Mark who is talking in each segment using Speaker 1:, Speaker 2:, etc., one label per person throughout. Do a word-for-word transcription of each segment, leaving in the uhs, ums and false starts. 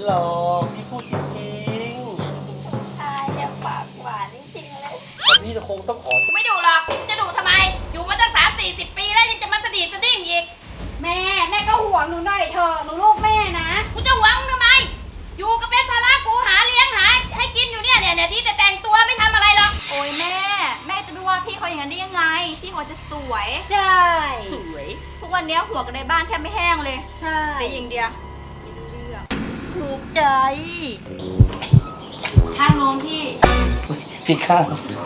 Speaker 1: หรอกพี่พูดจริง
Speaker 2: ชายเนี่ยปากหวานจริงๆเลย
Speaker 1: ๆแต่พี่จะคงต้องขอ
Speaker 2: ไม่ดูหรอกจะดูทำไมอยู่มาตั้งสามสี่สิบปีแล้วยังจะมาสะดีสะดิ้งอีกแม่แม่ก็ห่วงหนูหน่อยเถอะหนูลูกแม่นะกูจะหวังทำไมอยู่ก็เป็นภาระกูหาเลี้ยงหาให้กินอยู่เนี่ยเนี่ยเนี่ยที่แต่แต่งตัวไม่ทำอะไรหรอกโอ้ยแม่แม่จะดูว่าพี่เขาอย่างนั้นได้ยังไงพี่เขาจะสวยใช่สวยทุกวันนี้หัวกันในบ้านแทบไม่แห้งเลยใช่แต่อย่างเดียวไม่รู้เรื่องถูกใจข้างโน้นพี่
Speaker 1: พี่ข้าง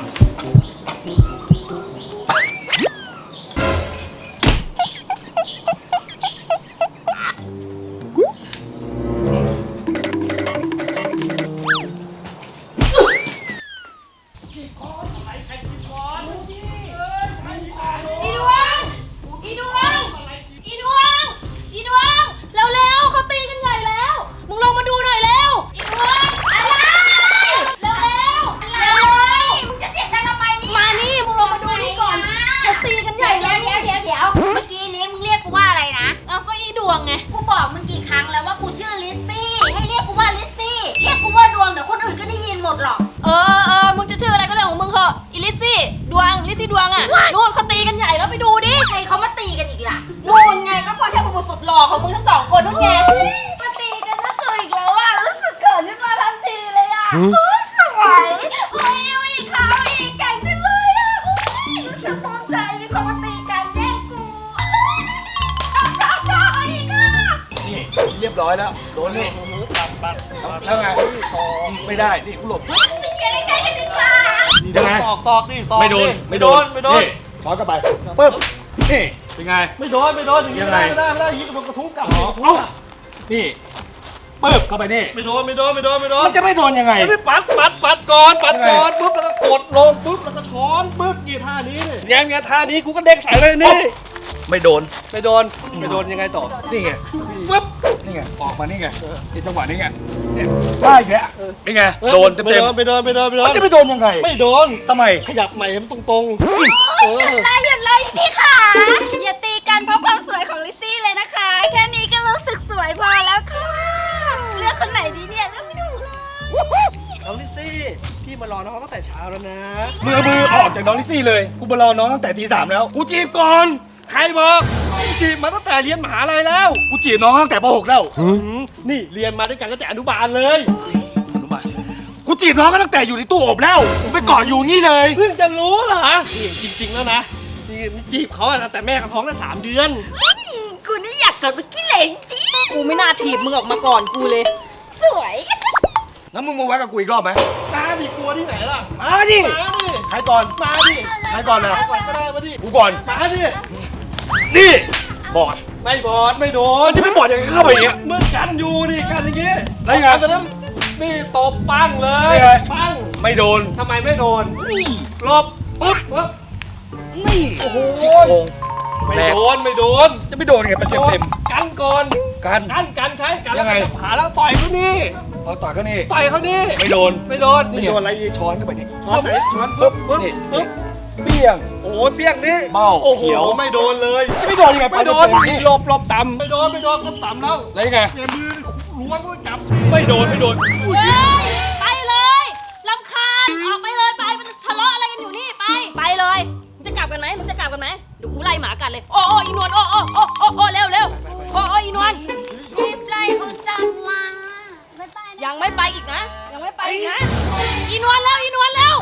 Speaker 2: นู่นเขาตีกันใหญ่แล้วไปดูดิใครเขามาตีกันอีกล่ะนู่นไงก็พอเทพบุตรสุดหล่อของมึงทั้งสองคนนู่นไงมาตีกันก็คืออีกแล้วอ่ะรู้สึกเกิดขึ้นมาทันทีเลยอ่ะโอ้สวยโอ้ยอีกค่ะอีกแก่งจังเลยอ่ะรู้สึกภูมิใจมีคนมาตีกันแย่งกูชอบชอบชอบอีกอ่ะ
Speaker 1: นี่เรียบร้อยแล้วโดนนี่ปัดปัดแล้วไงไม่ได้นี่กูหลบ
Speaker 2: ไปเชียร์ใกล้ๆกันดีกว่า
Speaker 1: ยังไง
Speaker 3: ซอกซอกดิซอก
Speaker 1: ไม่โดนไม่โดน
Speaker 3: ไม่โดน
Speaker 1: ช้อนกลับไปปึ๊บนี่เป็นไง
Speaker 3: ไม่โดนไม่โดนอย่างนี้ไม่ได้ไม่ได้ไม่ได้ยิงกระทุ้งกลับกระทุ้ง
Speaker 1: นี่ปึ๊บเข้าไปนี่
Speaker 3: ไม่โดนไม่โดนไม่โดนไม่โดน
Speaker 1: มันจะไม่โดนยังไง
Speaker 3: ไม่ปัดปัดปัดก่อนปัดก่อนปุ๊บแล้วก็กดลงปุ๊บแล้วก็ช้อนปึ๊บกี่ท่านี้นี่แง้มแง้ท่านี้กูก็เด้งใส่เลยนี่
Speaker 1: ไม่โดน
Speaker 3: ไม่โดนไม่โดนยังไงต่อ
Speaker 1: นี่ไงปึ๊บนี่ไงออกมานี่ไงในจังหวะนี้ไงเนี่ยได้อีกแล้วนี่ไงโดนเต็มเต็ม
Speaker 3: ไม่โดนไม่โดนไม่โดน
Speaker 1: มันจะไม่โดนยังไง
Speaker 3: ไม่โดน
Speaker 1: ทำไม
Speaker 3: ขยับใหม่ให้มันตรงๆ
Speaker 2: เอออย่าไล่อย่าไล่พี่ค่ะอย่าตีกันเพราะความสวยของลิซซี่เลยนะคะแค่นี้ก็รู้สึกสวยพอแล้วค่ะเลือกคนไหนดีเนี่ยเลือกไม่ถูกเลย
Speaker 3: น้องลิซซี่พี่มารอน้องตั้งแต่เช้าแล้วนะ
Speaker 1: มือมือออกจากน้องลิซซี่เลยกูมารอน้องตั้งแต่ตีสามแล้วกูจีบก่อน
Speaker 3: ใครบอกจีบมาตั้งแต่เรียนมหาลัยแล้ว
Speaker 1: กูจีบน้องตั้งแต่ป .หก แล้ว
Speaker 3: นี่เรียนมาด้วยกันตั้งแต่อนุบาลเลย
Speaker 1: อนุบาลกูจีบน้องก็ตั้งแต่อยู่ในตู้อบแล้วกูไปกอดอยู่นี่เลย
Speaker 3: เพิ่งจะรู้เหรอนี่จริงๆแล้วนะนี่จีบเขาแต่แม่เขาท้องได้สามเดือน
Speaker 2: กูนี่อยากเกิดเป็นขี้เหร่จริงกูไม่น่าถีบมึงออกมาก่อนกูเลยสวย
Speaker 1: งั้นมึงมาแวะกับกูอีกรอบไหม
Speaker 3: มาดิกลัวที่ไหนล่ะ
Speaker 1: มาดิ
Speaker 3: มาดิ
Speaker 1: ใครก่อน
Speaker 3: มาดิ
Speaker 1: ใครก่อนนะ
Speaker 3: ก่อนก็ได้มาดิ
Speaker 1: กูก่อน
Speaker 3: มาดิ
Speaker 1: นี่บอด
Speaker 3: ไม่บอดไม่โดน
Speaker 1: จะไม่บอดอย่างเข้าไปอย่างเงี้ย
Speaker 3: เมื่อกันอยู่ดิกันอย่างเงี้ย
Speaker 1: แล้วยังไง
Speaker 3: ตอนนั้นนี่ตบปังเลยปัง
Speaker 1: ไม่โดน
Speaker 3: ทำไมไม่โดน
Speaker 1: นี่
Speaker 3: ลบปึ๊บปึ๊บ
Speaker 1: นี่โอ้โห
Speaker 3: ไม่โดนไม่โดน
Speaker 1: จะไม่โดนไงเต็มเต็ม
Speaker 3: กันก่อน
Speaker 1: กัน
Speaker 3: กันกันใช้กัน
Speaker 1: ยังไง
Speaker 3: ขาแล้วต่อยเขานี่
Speaker 1: เอาต่อยเขานี่
Speaker 3: ต่อยเขานี่
Speaker 1: ไม่โดน
Speaker 3: ไม่โดนไม่โดนอะไรอีก
Speaker 1: ช้อนเข้าไปนี่
Speaker 3: ช้อนไหนช้อนปึ๊บปึ๊บปึ๊บ
Speaker 1: เปี้ยง
Speaker 3: โอ้เปี้ยงนี่
Speaker 1: เบ้า
Speaker 3: เขียวไม่โดนเลย
Speaker 1: จะไม่โดนยังไง
Speaker 3: ไม่โดนหลบหลบต่ำไม่โดนไม่โดนก็ต่ำแล้ว
Speaker 1: แล้วยังไง
Speaker 3: เนี่ยมือล้วงก็จับ
Speaker 1: ไม่โดนไม่โดน
Speaker 2: ไปเลยรำคาญออกไปเลยไปมันทะเลาะอะไรกันอยู่นี่ไปไปเลยมึงจะกลับกันไหมมึงจะกลับกันไหมเดี๋ยวกูไล่หมากันเลยโอ้โอ้อีนวลโอ้โอ้โอ้โอ้โอ้เร็วเร็วโอ้โอ้อีนวลรีบไล่เขาจังมายังไม่ไปอีกนะยังไม่ไปอีกนะอีนวลแล้วอีนวลแล้ว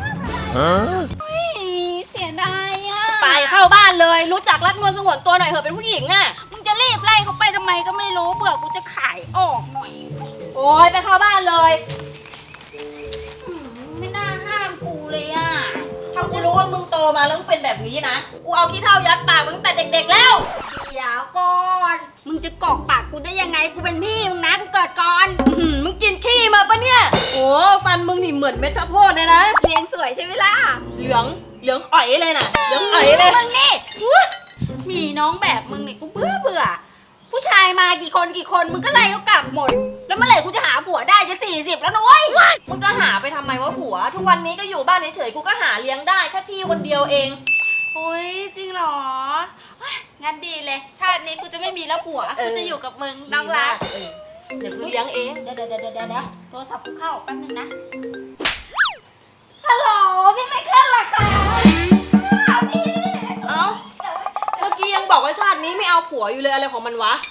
Speaker 2: เสียดายอ่ะไปเข้าบ้านเลยรู้จักรักนวลสงวนตัวหน่อยเถอะเป็นผู้หญิงอ่ะมึงจะรีบไล่เขาไปทำไมก็ไม่รู้เบื่อกูจะขายออกหน่อยโอ้ยไปเข้าบ้านเลยไม่น่าห้ามกูเลยอ่ะถ้ากูรู้ว่ามึงโตมาแล้วมึงเป็นแบบนี้นะกูเอาขี้เถ้ายัดปากมึงตั้งแต่เด็กๆแล้วเดี๋ยวก่อนมึงจะกอกปากกูได้ยังไงกูเป็นพี่มึงนะกูเกิดก่อนมึงกินขี้มาปะเนี่ยโอ้ฟันมึงนี่เหมือนเม็ดข้าวโพดเลยนะเลี้ยงสวยใช่ไหมล่ะเหลืองเหลืองอ่อยเลยนะเหลืองอ่อยเลยมึงนี่มีน้องแบบมึงนี่กูเบื่อเบื่อผู้ชายมากี่คนกี่คนมึงก็ไล่เขากลับหมดแล้วเมื่อไหร่กูจะหาผัวได้จะสี่สิบแล้วนุ้ยมึงจะหาไปทำไมวะผัวทุกวันนี้ก็อยู่บ้านเฉยๆกูก็หาเลี้ยงได้แค่พี่คนเดียวเองโอ้ยจริงเหรองั้นดีเลยชาตินี้กูจะไม่มีแล้วผัวกูจะอยู่กับมึงน้องรักเดี๋ยวกูเลี้ยงเองเดี๋ยวเดี๋ยวเดี๋ยวเดี๋ยวโทรศัพท์กูเข้าแป๊บนึงนะฮัลโหลพี่ไม่ขึ้นหรอคะพี่เอ้าเมื่อกี้ยังบอกว่าชาตินี้ไม่เอาผัวอยู่เลยอะไรของมันวะ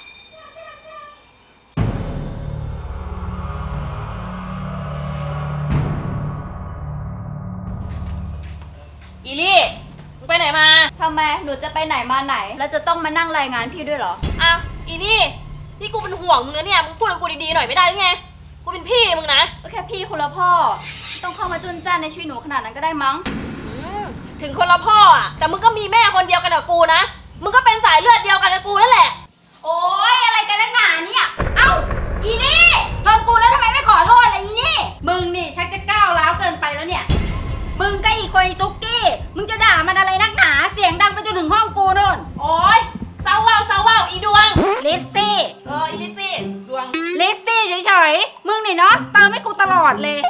Speaker 2: อีลี่มึงไปไหนมาทำไมหนูจะไปไหนมาไหนแล้วจะต้องมานั่งรายงานพี่ด้วยเหรออ่ะอีนี่นี่กูเป็นห่วงมึงนะเนี่ยมึงพูดกับกูดีๆหน่อยไม่ได้หรือไงกูเป็นพี่มึงนะก็แค่พี่คนละพ่อต้องเข้ามาจุนจ้านในชีวิตหนูขนาดนั้นก็ได้มั้งถึงคนละพ่ออ่ะแต่มึงก็มีแม่คนเดียวกันกับกูนะมึงก็เป็นสายเลือดเดียวกันกับกูนั่นแหละโอ๊ยอะไรกันนักหนาเนี่ยเอ้าอีนี่ชนกูแล้วทำไมไม่ขอโทษล่ะอีนี่มึงนี่ชักจะก้าวร้าวเกินไปแล้วเนี่ยมึงก็อีกคนอีตุ๊กกี้มึงจะด่ามันอะไรนักหนาเสียงดังไปจนถึงห้องกูนู่นโอ๊ยเศร้าว่าวเศร้าว่าวอีดวงลิซซี่เอออีลิซซี่ดวงลิซซี่เฉยๆมึงนี่เนาะเติมให้กูตลอดเลย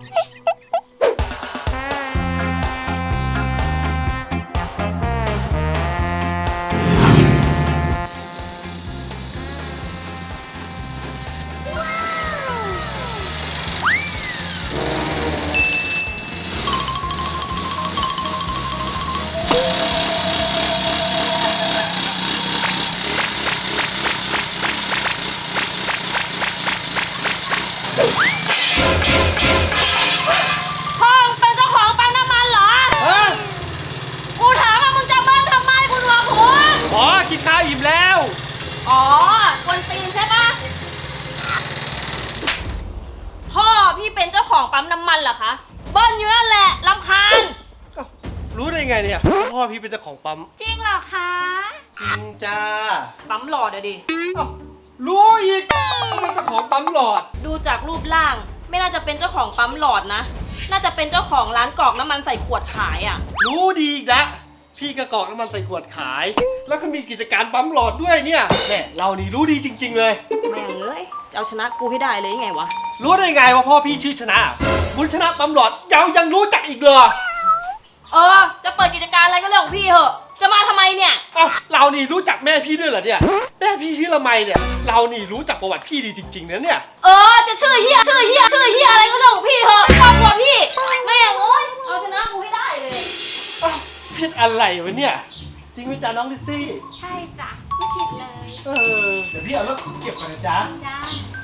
Speaker 2: อ๋อคนตีนใช่ปะพ่อพี่เป็นเจ้าของปั๊มน้ำมันเหรอคะเบิ้ลอยู่นั่นแหละรำคาญ
Speaker 3: รู้ได้ไงเนี่ยพ่อพี่เป็นเจ้าของปั๊ม
Speaker 2: จริงเหรอคะ
Speaker 3: จริงจ้า
Speaker 2: ปั๊มหลอดอะดิ
Speaker 3: รู้อีกเป็นเจ้าของปั๊มหลอด
Speaker 2: ดูจากรูปร่างไม่น่าจะเป็นเจ้าของปั๊มหลอดนะน่าจะเป็นเจ้าของร้านกรอกน้ำมันใส่ขวดขายอะ
Speaker 3: รู้ดีอีกละพี่กระกอกน้ำมันใส่ขวดขายแล้วก็มีกิจการปั๊มหลอดด้วยเนี่ยแม่เรานี่รู้ดีจริงๆเลย
Speaker 2: แม่งเอ้ยจะเอาชนะกูให้ได้เลยยังไงวะ
Speaker 3: รู้ได้ไงว่าพ่อพี่ชื่อชนะบุญชนะปั๊มหลอดยังยังรู้จักอีกเลย
Speaker 2: เออจะเปิดกิจการอะไรก็เรื่องของพี่เหอะจะมาทำไมเนี่ย
Speaker 3: เอ้าเรานี่รู้จักแม่พี่ด้วยเหรอเนี่ยแม่พี่ชื่อละไมเนี่ยเรานี่รู้จักประวัติพี่ดีจริงๆนะเนี่ย
Speaker 2: เออจะชื่อเฮียชื่อเฮียชื่อเฮียอะไรก็เรื่องของพี่เหอะครอบครัวพี่แม่งเอ้ยเอาชนะกูให้ได้เลย
Speaker 3: ผิดอะไรวะเนี่ยจริงไหมจ๊ะน้องลิซซี่
Speaker 2: ใช่จ้ะไม่ผิดเลย
Speaker 3: เออเดี๋ยวพี่เอารถเก็บก่อนนะจ๊ะ
Speaker 2: จ้า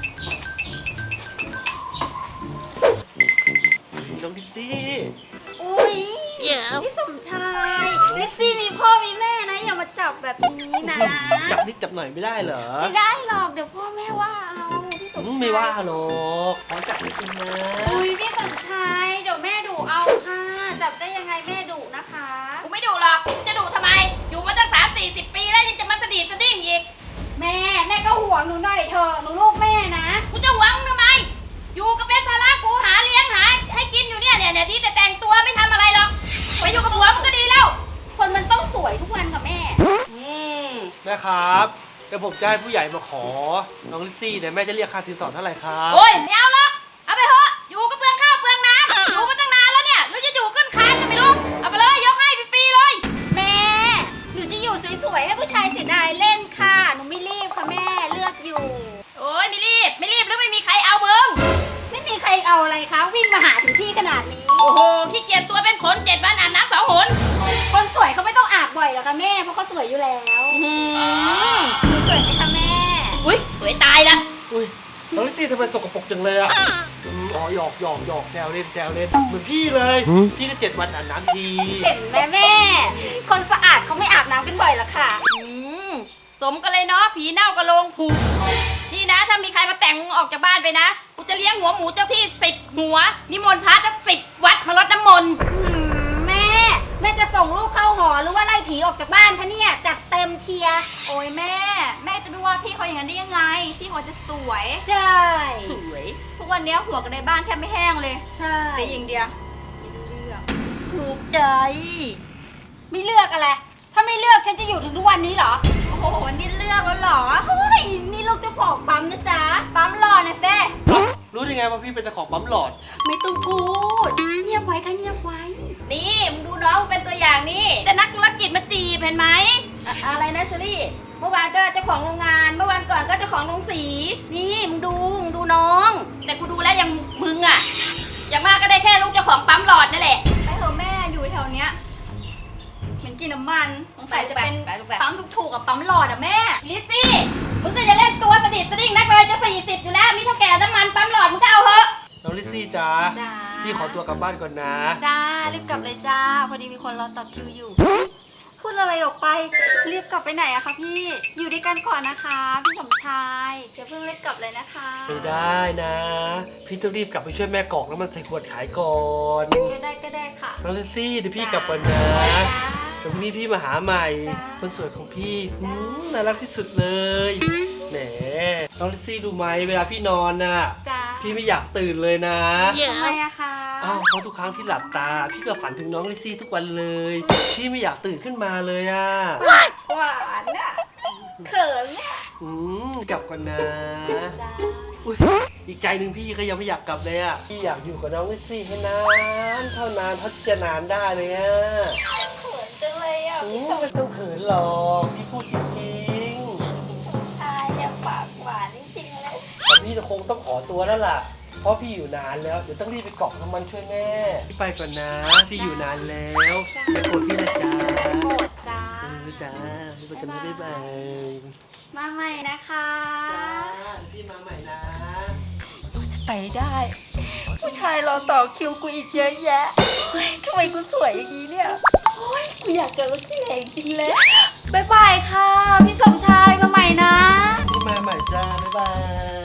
Speaker 3: น้องลิซซี่
Speaker 2: อุ้ยพี่สมชายลิซซี่มีพ่อมีแม่นะอย่ามาจับแบบนี้นะ
Speaker 3: จับนิดจับหน่อยไม่ได้เหรอ
Speaker 2: ไม่ได้หรอกเดี๋ยวพ่อแม่ว่าเอาพี่สมชาย
Speaker 3: ไม่ว่าหรอกขอจับนิดนึงนะ
Speaker 2: อุ้ยพี่สมชายเดี๋ยวแม่ดุเอาค่ะจับได้ยังไงแม่ดุนะคะกูไม่ดุหรอกจะดุทำไมอยู่มาตั้งสามสี่สิบปีแล้วยังจะมาสะดีสะดิ้งอีกแม่แม่ก็ห่วงหนูหน่อยเถอะหนูลูกแม่นะกูจะหวงทำไมอยู่ก็เป็นภาระกูหาเลี้ยงหาให้กินอยู่เนี่ยเนี่ยเนี่ยดีแต่แต่งตัวไม่ทำอะไรหรอกไปอยู่กับผัวมันก็ดีแล้วคนมันต้องสวยทุกวันค่ะแม่อืม
Speaker 3: แม่ครับเดี๋ยวผมจะให้ผู้ใหญ่มาขอน้องลิซซี่เนี่ยแม่จะเรียกค่าสินสอดเท่าไหร่ครับ
Speaker 2: โอ้ยไม่เอาหรอกเอาไปเถอะอยู่ก็เปลืองข้าวเปลืองน้ำอยู่มาตั้งนานแล้วเนี่ยหรือจะอยู่ขึ้นคานก็ไม่รู้เอาไปเลยยกให้ฟรีๆเลยแม่หนูจะอยู่สวยๆให้ผู้ชายเสียดายเล่นค่ะหนูไม่รีบค่ะแม่เลือกอยู่โอ้ยไม่รีบไม่รีบแล้วไม่มีใครเอามึงไม่มีใครเอาอะไรคะวิ่งมาหาถึงที่ขนาดนี้โอ้โหขี้เกียจตัวเป็นขนเจ็ดวันอาบน้ำสองหนคนสวยเขาไม่ต้องอาบบ่อยหรอกค่ะแม่เพราะเขาสวยอยู่แล้วอืมสวยไหมคะแม่อุ้ยสวยตายละ
Speaker 3: อุ้ยน้องลิซซี่ทำไมสกปรกจังเลยอ่ะอ๋อหยอกหยอกหยอกแซวเล่นแซวเล่นเหมือนพี่เลยพี่ก็เจ็ดวันอาบน้ำที
Speaker 2: เห็นไหมแม่คนสะอาดเขาไม่อาบน้ำกันบ่อยหรอกค่ะอืมสมกันเลยเนาะผีเน่ากระโลงผูกนี่นะถ้ามีใครมาแต่งออกจากบ้านไปนะกูจะเลี้ยงหัวหมูเจ้าที่สิบหัวนิมนต์พระจะสิบวัดมารดน้ำมนต์แม่แม่จะส่งลูกเข้าหอหรือว่าไล่ผีออกจากบ้านคะเนี่ยจัดเต็มเชียร์โอ้ยแม่แม่จะไม่ว่าพี่เขาอย่างนั้นได้ยังไงพี่เขาจะสวยใช่สวยทุกวันนี้หัวกันในบ้านแทบไม่แห้งเลยใช่แต่อย่างเดียวเลือกถูกใจไม่เลือกอะไรถ้าไม่เลือกฉันจะอยู่ถึงทุกวันนี้เหรอโอ้โหนี่เลือกแล้วเหรอเฮ้ยนี่ลูกเจ้าของปั๊มนะจ๊ะปั๊มหลอดนะเซ่
Speaker 3: รู้ได้ไงว่าพี่เป็นเจ้าของปั๊มหลอด
Speaker 2: ไม่ต้องพูดเงียบไว้ค่ะเงียบไว้นี่มึงดูน้องเป็นตัวอย่างนี่แต่นักธุรกิจมาจีบเห็นไหม อะอะไรนะเชอรี่เมื่อวานก็เจ้าของโรงงานเมื่อวานก่อนก็เจ้าของโรงสีนี่มึงดูมึงดูน้อง แต่กูดูแล้วยังมึงอะอย่างมากก็ได้แค่ลูกเจ้าของปั๊มหลอดนั่นแหละไปเถอะแม่อยู่แถวเนี้ยเหม็นกินน้ำมันสงสัยจะเป็นปั๊มถูกๆกับปั๊มหลอดอะแม่ลิซซี่มึงก็จะเล่นตัวสดิดสดิ้งนักเลยจะสี่สิบอยู่แล้วมีเท่าแก่น้ำมันปั๊มหลอดมึงก็เอาเถอะ
Speaker 3: น้องลิซซี่จ้าพี่ขอตัวกลับบ้านก่อนนะ
Speaker 2: จ้ารีบกลับเลยจ้าพอดีมีคนรอต่อคิวอยู่พูดอะไรออกไปรีบกลับไปไหนอะคะพี่อยู่ด้วยกันก่อนนะคะพี่สมชายอย่าเพิ่งรีบกลับเลยนะคะ
Speaker 3: ไม่ได้นะพี่ต้องรีบกลับไปช่วยแม่กอกแล้วมันใส่ขวดขายก่อน
Speaker 2: ก็ได้ก็ได้ค่ะ
Speaker 3: น้องลิซซี่เดี๋ยวพี่กลับก่อนนะเดี๋ยวพรุ่งนี้พี่มาหาใหม่คนสวยของพี่น่ารักที่สุดเลยแหมน้องลิซซี่รู้ไหมเวลาพี่นอนน่ะพี่ไม่อยากตื่นเลยนะ
Speaker 2: ทำไมอะคะ
Speaker 3: อ้าวเพราะทุกครั้งที่หลับตาพี่ก็ฝันถึงน้องลิซซี่ทุกวันเลยพี่ไม่อยากตื่นขึ้นมาเลยอะ
Speaker 2: หวานอะเขินเนี่ย
Speaker 3: อืมกลับก่อนนะอุ้ยอีกใจหนึ่งพี่ก็ยังไม่อยากกลับเลยอะพี่อยากอยู่กับน้องลิซซี่ให้นานเท่านานเท่าจะนานได้เลยอะ
Speaker 2: เขินจังเลยอะ
Speaker 3: พี่ไม่ต้องเขินหรอกพี่พูดจริง
Speaker 2: ๆชายเนี่ยปากหวานจริงๆเลย
Speaker 3: แต่พี่จะคงต้องขอตัวแล้วล่ะเพราะพี่อยู่นานแล้วเดี๋ยวต้องรีบไปเกาะน้ำมันช่วยแม่พี่ไปก่อนนะพี่อยู่นานแล้วอย่าโกรธพี่นะจ๊ะ
Speaker 2: โกรธจ้า
Speaker 3: เออจ้าพี่ไปกันนะบ๊ายบาย
Speaker 2: มาใหม่นะคะ
Speaker 3: จ้าพี่มาใหม่นะ
Speaker 2: จะไปได้ผู้ชายรอต่อคิวกูอีกเยอะแยะทำไมกูสวยอย่างนี้เนี่ยกูอยากเกิดว่าขี้เหร่จริงเลยบ๊ายบายค่ะพี่สมชายมาใหม่นะ
Speaker 3: พี่มาใหม่จ้าบ๊ายบาย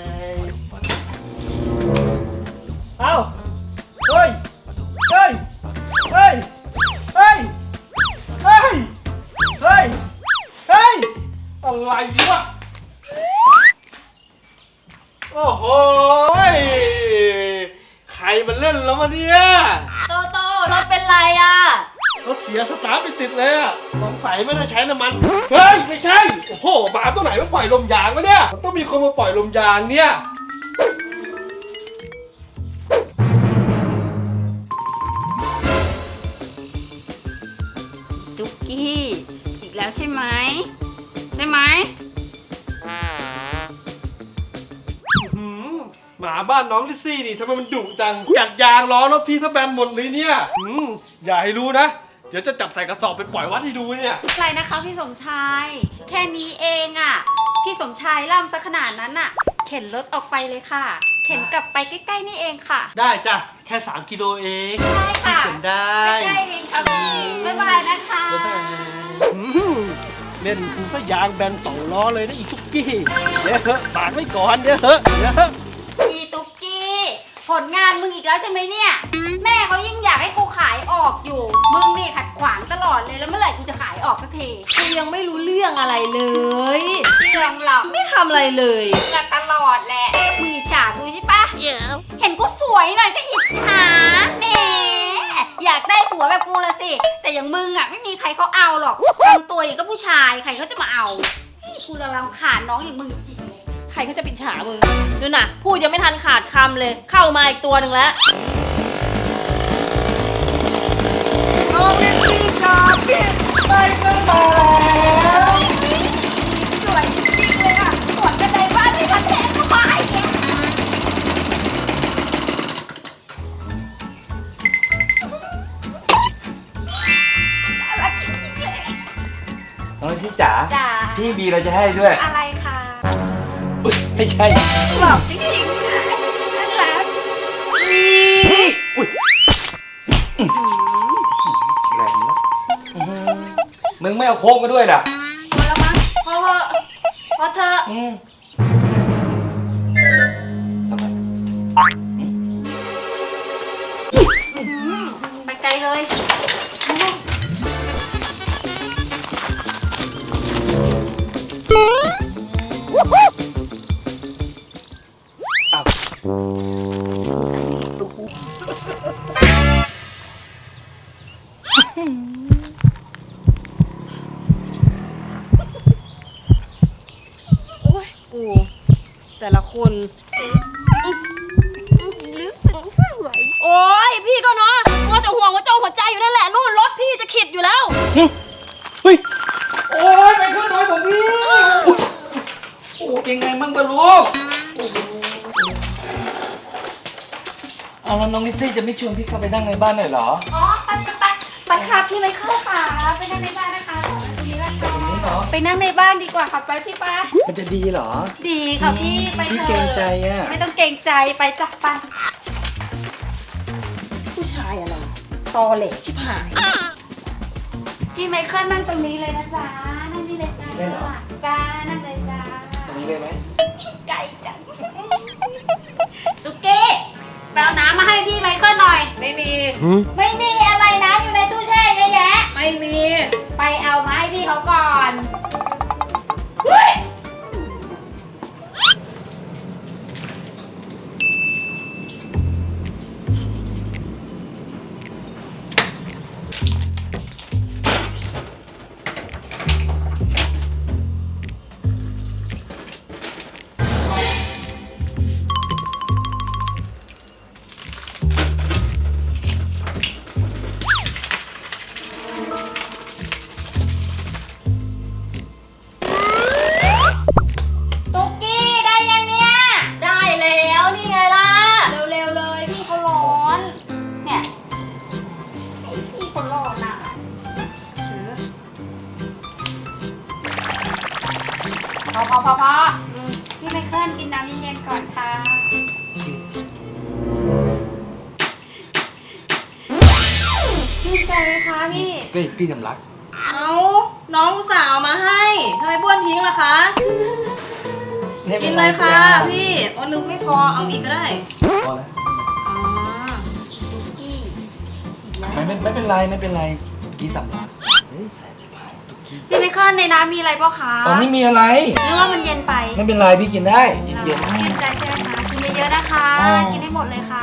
Speaker 3: เอ้าเฮ้ยเฮ้ยเฮ้ยเฮ้ยเฮ้ยเฮ้ยเฮ้ยอะไรวะโอ้โหใครมันเล่นแล้วมาเนี่ย
Speaker 2: โตโตรถเป็นไรอ่ะ
Speaker 3: รถเสียสตาร์ทไม่ติดเลยอ่ะสงสัยไม่ได้ใช้น้ำมันเฮ้ยไม่ใช่โอ้โหหมาตัวไหนมาปล่อยลมยางวะเนี่ยมันต้องมีคนมาปล่อยลมยางเนี่ย
Speaker 2: ตุ๊กกี้อีกแล้วใช่ไหมใช่ไหม
Speaker 3: หมาบ้านน้องลิซซี่นี่ทำไมมันดุจังกัดยางล้อรถพี่ซะแบนหมดเลยเนี่ยอืมอย่าให้รู้นะเดี๋ยวจะจับใส่กระสอบไปปล่อยวัดให้ดูเนี่ย
Speaker 2: อะไรนะคะพี่สมชายแค่นี้เองอ่ะพี่สมชายล่ำซะขนาดนั้นอ่ะเข็นรถออกไปเลยค่ะเข็นกลับไปใกล้ๆนี่เองค่ะ
Speaker 3: ได้จ้ะแค่สามกิโลเอง
Speaker 2: ใช่ค่ะ
Speaker 3: เข็นได้
Speaker 2: ใกล้ๆเองค่ะบ๊ายบายนะคะ
Speaker 3: บ๊ายบายเล่นกูซะยางแบนสองล้อเลยนะอีตุ๊กกี้เดี๋ยวเถอะฝากไว้ก่อนเดี๋ยวเถอะเดี๋ยว
Speaker 2: อีตุ๊กกี้ผลงานมึงอีกแล้วใช่ไหมเนี่ยแม่เขายิ่งอยากให้กูขายออกอยู่มึงนี่ขัดขวางตลอดเลยแล้วเมื่อไหร่กูจะขายออกสักที
Speaker 4: กูยังไม่รู้เรื่องอะไรเลย
Speaker 2: เรื่องหรอก
Speaker 4: ไม่ทำอะไรเลย
Speaker 2: ก็ตลอดแหละมึงอิจฉากูใช่ปะ yeah. เห็นกูสวยหน่อยก็อิจฉาแหมอยากได้ผัวแบบกูละสิแต่อย่างมึงอ่ะไม่มีใครเขาเอาหรอกทำตัวอย่างก็ผู้ชายใครเขาจะมาเอากูระรำคาญน้องอย่างมึงจริงเลย
Speaker 4: ใครเขาจะปิดฉามึงดูน่ะพูดยังไม่ทันขาดคำเลยเข้ามาอีกตัวหนึ่งแล้ว
Speaker 3: น้องลิซซี่จ๋าพี่ไปกันมาแล้ว
Speaker 2: สวยจริงๆเลยอ่ะสวนกันในบ้านที่ทันแทงเข้ามาไอ้แกน่ารักจริงๆเลย
Speaker 1: น้องลิซซี่จ๋า
Speaker 2: จ๋า
Speaker 1: พี่บีเราจะให้ด้วย
Speaker 2: อะไรคะ
Speaker 1: ไม่ใช่
Speaker 2: บอกจริงๆนะนั่นแหละ
Speaker 1: อุ้ยแรงนะมึงไม่เอาโค้งมาด้วยล่ะ
Speaker 2: พอแล้วมั้งพอเถอะพอเถอะ
Speaker 1: ทำไม
Speaker 2: ไปไกลเลย
Speaker 4: โอ้ยกูแต่ละคน
Speaker 2: ลึกซึ้งสวย
Speaker 4: โอ้ยพี่ก็เนาะมัวแต่ห่วงหัวจงหัวใจอยู่นั่นแหละนู่นรถพี่จะขิดอยู่แล้ว
Speaker 1: เฮ้ยโอ้ยไปขึ้นหน่อยผมพี่เป็นไงบ้างปะลูกเอาแล้วน้องลิซซี่จะไม่ชวนพี่เข้าไปนั่งในบ้านหน่อยเหรอ
Speaker 2: อ๋อไปไปไปไปค่ะพี่ไมเคิลค่ะไปนั่งในบ้านนะคะตรงนี้ละ
Speaker 1: ตรงนี้เหรอ
Speaker 2: ไปนั่งในบ้านดีกว่าค่ะไปพี่ป้า
Speaker 1: มันจะดีเหรอ
Speaker 2: ดีค่ะพี่ไป
Speaker 1: พี่
Speaker 2: เถ
Speaker 1: เกรง
Speaker 2: อะ
Speaker 1: ใจอ่ะ
Speaker 2: ไม่ต้องเกรงใจไปจับไป
Speaker 4: ผู้ชายอะไรตอเหล่ชิบหาย
Speaker 2: พี่ไมเคิลนั่งตรงนี้เลยนะจ๊ะนั่งนี่เลยจ้าจ้านั่งเลยจ้า
Speaker 1: ตรงนี้เลยไหม
Speaker 2: ไก่จังตุ๊กกี้ไปเอาน้ำมาให้พี่ไมเคิลหน่อย
Speaker 4: ไม่มี
Speaker 2: ไม่มีอะไรนะอยู่ในตู้แช่เยอะแยะ
Speaker 4: ไม่มี
Speaker 2: ไปเอามาให้พี่เขาก่อนเฮ้ยตุ๊กกี้ได้ยังเนี่ย
Speaker 4: ได้แล้วนี่ไงล่ะ
Speaker 2: เร็วๆเลยพี่เขาร้อนเนี่ยไอ้พี่เขาร้อนอ่ะพอพอพอพออืมพี่ไมเคิลกินน้ำเย็นๆก่อนค่ะชื่นใจไหมคะพี่
Speaker 1: เฮ้ยพี่สำลัก
Speaker 4: เอาน้องอุตส่าห์เอามาให้ทำไมบ้วนทิ้งล่ะคะ กินเลยค่ะพี่โอ้นึกไม่พอเอาอีกก็ได้
Speaker 1: พอแล้ว
Speaker 4: อ๋อ
Speaker 2: ตุ๊กกี้อีกแล้ว
Speaker 1: ไม่ไม่ไม่เป็นไรไม่เป็นไรพี่สำลักเฮ้ยแสบที่ผ่านตุ๊กกี้
Speaker 2: พี่ไมเคิลในน้ำมีอะไรเปล่าคะ
Speaker 1: อ๋อไม่มีอะไร
Speaker 2: หรือว่ามันเย็นไป
Speaker 1: ไม่เป็นไรพี่กินได้เย็น
Speaker 2: ชื่นใจใช่ไหมคะกินเยอะๆนะคะ
Speaker 1: อ๋อ
Speaker 2: กินให้หมดเลยค่ะ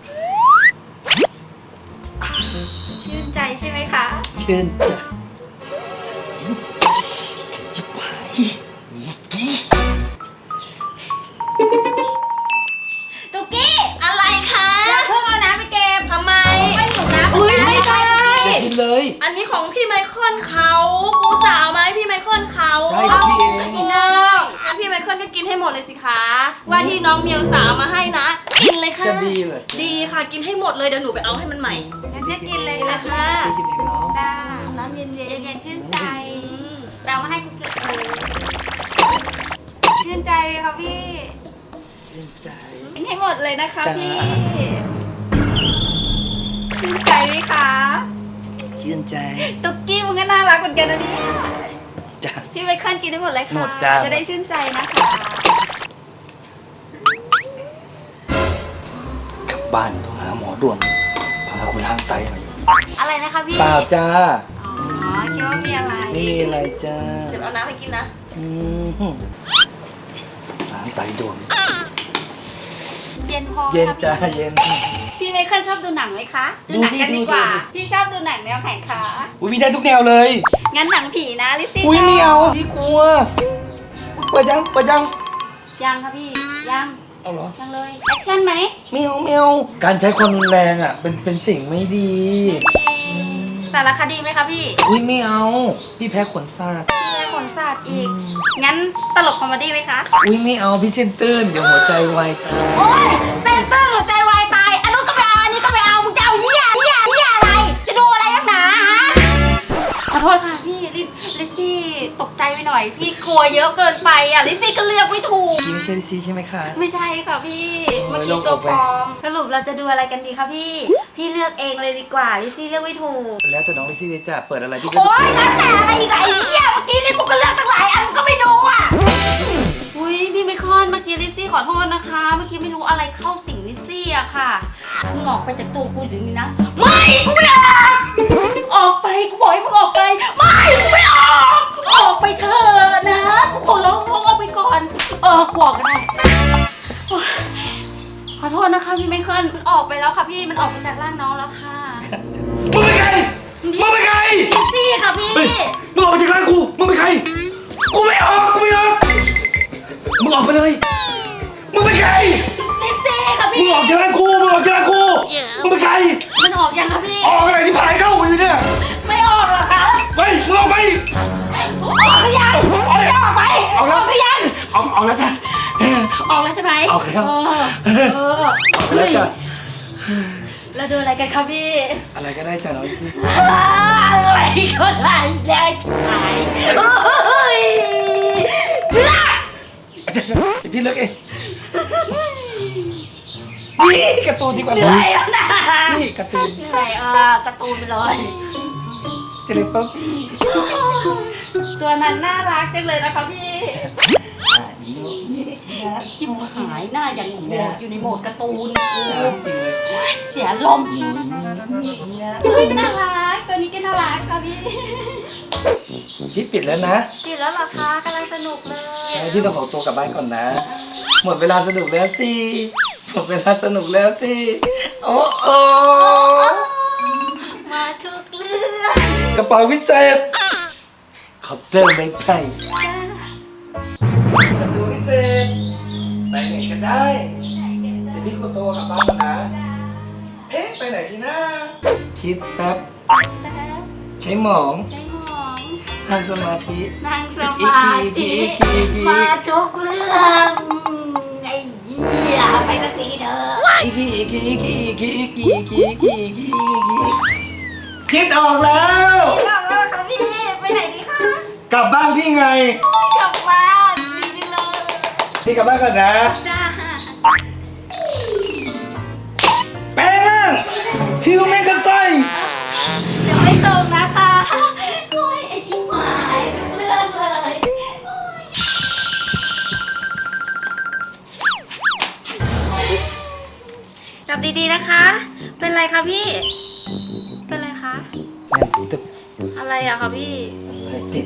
Speaker 2: ชื่นใจใช่ไหมคะ
Speaker 1: ๆชื่นใจจิบหาย
Speaker 2: ตุ๊กกี้
Speaker 4: อะไรคะ
Speaker 2: อย่าเพิ่งเอาน้ำไปเก็บ
Speaker 4: ทำไม
Speaker 2: ไม่หิวน้ำ
Speaker 4: อุ้ยไม่ใช่
Speaker 1: อย่ากินเลย
Speaker 4: อันนี้ของพี่ไมเคิลเขากูสาวมาให้พี่ไมเคิลเขา
Speaker 1: ใช่ของพี่เอง
Speaker 2: กินได้
Speaker 4: งั้นพี่ไมเคิลก็กินให้หมดเลยสิคะ ว่าที่น้องเมียวสาวมาให้นะ กินเลยค่ะ
Speaker 1: จะดีเลย
Speaker 4: ดีค่ะกินให้หมดเลยเดี๋ยวหนูไปเอาให้มันใหม่
Speaker 2: งั้นจะกินเลย
Speaker 4: กินเลย
Speaker 2: ค่ะ
Speaker 4: ค่ะ
Speaker 1: พี่กินเองเนาะ
Speaker 2: จ้าน้ำเย็นๆเย็นๆชื่นใจแปลว่าให้กูเก็บเลยชื่นใจไหมคะพี่
Speaker 1: ชื่นใจ
Speaker 2: กินให้หมดเลยนะคะ
Speaker 1: จ้า
Speaker 2: พี่ชื่นใจไหมคะ
Speaker 1: ชื่นใจ
Speaker 2: ตุ๊กกี้มันก็น่ารักเหมือนกันนะเนี่ย
Speaker 1: จ้า
Speaker 2: พี่ไมเคิลกินได้หมดเลยค่ะ
Speaker 1: หมดจ้า
Speaker 2: จะได้ชื่นใจนะคะ
Speaker 1: กลับบ้านต้องหาหมอด่วนพาคุณล้างไตหน่อย
Speaker 2: อะไรนะคะพี่
Speaker 1: เปล่าจ้า
Speaker 2: อ๋อคิดว่ามีอะไร
Speaker 1: ไม่มีอะไรจ้า
Speaker 4: เดี๋ยวเอาน้ำให้กินนะ
Speaker 1: อืมล้างไตด่วน
Speaker 2: เย็นพอ
Speaker 1: เย็น
Speaker 2: ค่ะ
Speaker 1: จ้าเย็น
Speaker 2: พี่ไมเคิลชอบดูหนังไหมคะ
Speaker 1: ดู
Speaker 2: หนั
Speaker 1: สิ
Speaker 2: กันดีกว่า
Speaker 1: ดูดู
Speaker 2: พี่ชอบดูหนังแนวไหนคะ
Speaker 1: อุ้ยมีได้ทุกแนวเลย
Speaker 2: งั้นหนังผีนะลิซซี่
Speaker 1: อุ้ย
Speaker 2: ชบ
Speaker 1: ไม่เอาพี่กลัวเปิดยังเปิดยัง
Speaker 2: ยังค่ะพี่ยัง
Speaker 1: เอาเหรอ
Speaker 2: ยังเลยแอคชั่นไหม
Speaker 1: ไม่เอาไม่เอาการใช้ความรุนแรงอ่ะเป็นเป็นสิ่งไม่ดี
Speaker 2: สารคดีไหมคะพี่
Speaker 1: อุ้ยไม่เอาพี่แพ้ขนซาก
Speaker 2: มีขนสัตว์อีก งั้นตลกคอมเมดี้ไหมคะ
Speaker 1: อุ้ยไม่เอาพี่เส้นตื้นเดี๋ยวหัวใจวายตาย
Speaker 2: โอ๊ยเซนเตอร์หัวใจวายตาย อันนู้นก็ไปเอา อันนี้ก็ไปเอา มึงจะเอาเหี้ยเหี้ยเหี้ยอะไร จะดูอะไรนักหนาฮะ ขอโทษค่ะพี่ลิลิซซี่ตกใจไปหน่อย พี่กลัวเยอะเกินไปอ่ะ ลิซซี่ก็เลือกไม่ถูก
Speaker 1: พี่ไม่ใช่ลิซซี่ใช่ไหมคะ
Speaker 2: ไม่ใช่ค่ะพี่
Speaker 1: โอ้ย
Speaker 2: เมื่อกี้
Speaker 1: โล่ง
Speaker 2: ตัว
Speaker 1: อกไป
Speaker 2: ปลอม สรุปเราจะดูอะไรกันดีคะพี่ พี่เลือกเองเลยดีกว่า ลิซซี่เลือกไม่ถูก
Speaker 1: แล้วแต่น้องลิซซี่เลยจ้ะเปิดอะไรพี่ก็
Speaker 2: โอ๊ยแล้วแต่อะไรอีกอะไอ้เหี้ยเมื่อกี้นี่กูก็เลือกตั้งหลายอันมึงก็ไม่ดูอ่ะ อุ้ยพี่ไมเคิลเมื่อกี้ลิซซี่ขอโทษนะคะ เมื่อกี้ไม่รู้อะไรเข้าสิงลิซซี่อะค่ะมึงออกไปจากตัวกูเดี๋ยวนี้นะ ไม่กูไม่ออกออกไปกูบอกให้มึงออกไปไม่กูไม่ออกออกไปเถอะนะกูขอร้องมึงออกไปก่อนเออกูออกก็ได้โอ๊ยขอโทษนะคะพี่ไมเคิลมันออกไปแล้วค่ะพี่มันออกไปจากร่างน้องแล้วค่ะ
Speaker 1: มึงเป็นใครมึงเป็นใคร
Speaker 2: ลิซซี่ค่ะพี่
Speaker 1: เฮ้ยมึงออกมาจากร้านกูมึงเป็นใครกูไม่ออกกูไม่ออกมึงออกไปเลยมึงเป็นใคร
Speaker 2: ลิซซี่ค่ะ
Speaker 1: มึ
Speaker 2: พี่
Speaker 1: งออกจากร้านกูมึงออกจากร้านกูมึงเป็นใคร
Speaker 2: มันออกยังคะพี่
Speaker 1: ออกอะไรที่พายเข้าอยู่เนี่ย
Speaker 2: ไม่ออกหรอคะ
Speaker 1: เฮ้ยมึงออกไป
Speaker 2: ออกหรือยัง
Speaker 1: เอาเลย
Speaker 2: ไม่ออกไป
Speaker 1: เอาแล้ว
Speaker 2: กหรือยัง
Speaker 1: เอาเอาแล้วจ้ะออกแล้ว
Speaker 2: เออเออ
Speaker 1: ไปแล้วจ้ะ
Speaker 2: แล้วดูอะไรกันครับพี่
Speaker 1: อะไรก็ได้จ้ะน้องลิซซี่
Speaker 2: อะไรก็ได้ได้ใช่เฮ้ย
Speaker 1: เดี๋ยวพี่เลิกเองนี่การ์ตูนดีกว่า
Speaker 2: เหนื่อยแล้วนะ
Speaker 1: นี่การ์ตูน
Speaker 2: เหนื่อยเออการ์ตูนไปเลย
Speaker 1: เจลิป๊อปปี้
Speaker 2: ตัวนั้นน่ารักจังเลยนะคะพี่
Speaker 1: อ่ะอีโน่นี่นะ
Speaker 2: ชิบหายหน้าอย่างโหดอยู่ในโหมดการ์ตูน
Speaker 1: จริงเลย
Speaker 2: เสียลม
Speaker 1: นี่นะ
Speaker 2: เฮ้ยน่ารักตัวนี้ก็น่ารักค่ะพี่
Speaker 1: พี่ปิดแล้วนะ
Speaker 2: กินแล้วเหรอคะกำลังสนุกเลย
Speaker 1: งั้นพี่ต้องขอตัวกลับบ้านก่อนนะ หมดเวลาสนุกแล้วสิหมดเวลาสนุกแล้วสิโอ้โอ้
Speaker 2: มาทุกเรื่อง
Speaker 1: กระเป๋าวิเศษขอบเจอไม่ไผ่ประตูวิเศษไปไหนกันได้เดี๋ยวพี่ก็โตกลับบ้านก่อนนะ เอ๊ะไปไหนดีนะ คิดแป๊บ
Speaker 2: แป๊บ
Speaker 1: ใช้หมอง
Speaker 2: ใช้หมอง
Speaker 1: ทางสมาธิ
Speaker 2: นั่งสมาธิ
Speaker 1: อีกทีอีกทีอีกที
Speaker 2: มาทุกเรื่องไอ้เหี้ยไปสักทีเถอะ
Speaker 1: อีกทีอีกทีอีกทีอีกทีอีกทีอีกทีอีกทีอีกทีอีกทีคิดออกแล้ว
Speaker 2: กลับแล้วค่ะพี่ไปไหนดีคะ
Speaker 1: กลับบ้านพี่ไง
Speaker 2: กลับบ้านดีจังเลย
Speaker 1: พี่กลับบ้านก่อนนะ
Speaker 2: จ้า
Speaker 1: แป้งฮิวแมงกะไซ
Speaker 2: เดี๋ยวไปส่งนะคะโอ้ยไอ้ที่หมายทุกเรื่องเลยจับดีๆนะคะ เป็นไรคะพี่ เป็นไรคะ
Speaker 1: นั่นตึบ
Speaker 2: อะไรอะคะพี่
Speaker 1: ติด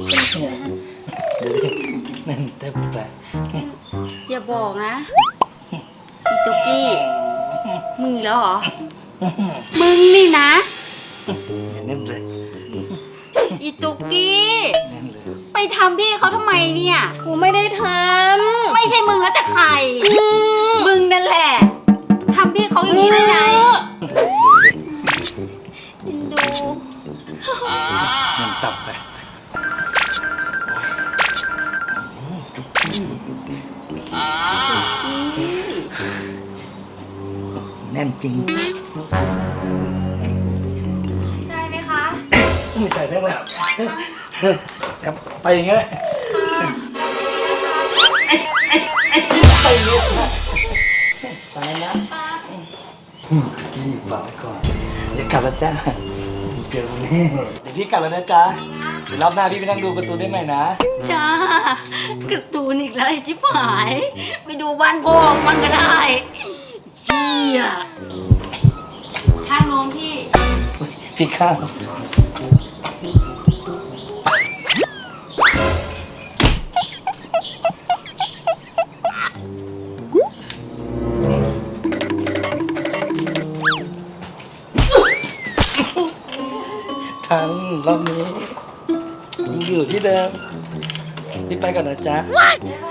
Speaker 1: นั่นตึบไป
Speaker 2: อย่าบอกนะ อีตุกกี้ มึงอีกแล้วเหรอ มึงนี่นะ
Speaker 1: นั่นเลย
Speaker 2: อีตุกกี้
Speaker 1: นั่นเลย
Speaker 2: ไปทำพี่เขาทำไมเนี่ย
Speaker 4: กูไม่ได้ท
Speaker 2: ไม่ใช่มึงแล้วจะใคร มึงนั่นแหละทำพี่เขาอย่างนี้ได้ไงเอ็นดู
Speaker 1: นั่นตับไปแน่นจริง
Speaker 2: ได้ไหมคะ
Speaker 1: ไม่ใส่ได้ไหมครับไปอย่างเงี้ยไปเงี้ยไปนะพี่ฝากไว้ก่อนเดี๋ยวกลับแล้วจ้าเจอกันแน่เดี๋ยวพี่กลับแล้วนะจ๊ะเดี๋ยวรอบหน้าพี่ไปนั่งดูการ์ตูนได้ไหมนะ
Speaker 2: จ้าการ์ตูนอีกแล้วไอ้ชิบหาย ไปดูบ้านพ่อมันก็ได้เฮียข้างโน้นพี่
Speaker 1: พี่ข้าวทั้งรอบนี้ยังอยู่ที่เดิมพี่ไปก่อนนะจ๊ะ
Speaker 2: ได้